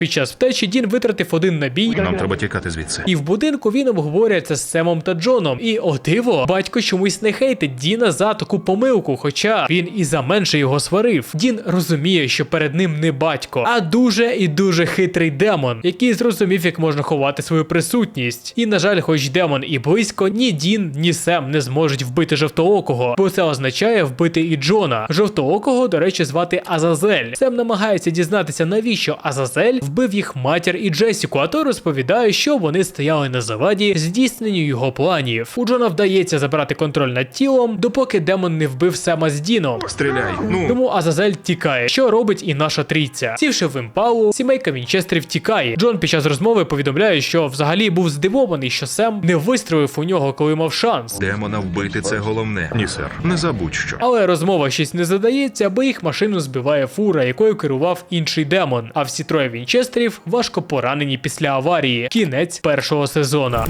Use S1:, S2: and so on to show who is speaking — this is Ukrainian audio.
S1: Під час втечі Дін витратив один набій.
S2: Нам треба тікати звідси.
S1: І в будинку він обговорює це з Семом та Джоном. І, о диво, батько чомусь не хейтить Діна за таку помилку, хоча він і за менше його сварив. Дін розуміє, що перед ним не батько, а дуже і дуже хитрий демон, який зрозумів, як можна ховати свою присутність. І, на жаль, хоч демон і близько, ні Дін, ні Сем не зможуть вбити Жовтоокого, бо це означає вбити і Джона. Жовтоокого, до речі, звати Азазель. Сем намагається дізнатися, навіщо Азазель вбив їх матір і Джесіку, а той розповідає, що вони стояли на заваді здійсненню його планів. У Джона вдається забрати контроль над тілом, допоки демон не вбив Сема з Діном.
S2: Стріляй, ну!
S1: Тому Азазель тікає, що робить і наша трійця. Сівши в імпалу, сімейка Вінчестерів тікає. Джон під час розмови повідомляє, що взагалі був здивований, що Сем не вистрелив у нього, коли мав шанс.
S2: Демона вбити – це головне. Ні, сер. Не забудь що.
S1: Але розмова щось не задається, бо їх машину збиває фура, якою керував інший демон. А всі троє Вінчестерів важко поранені після аварії. Кінець першого сезону.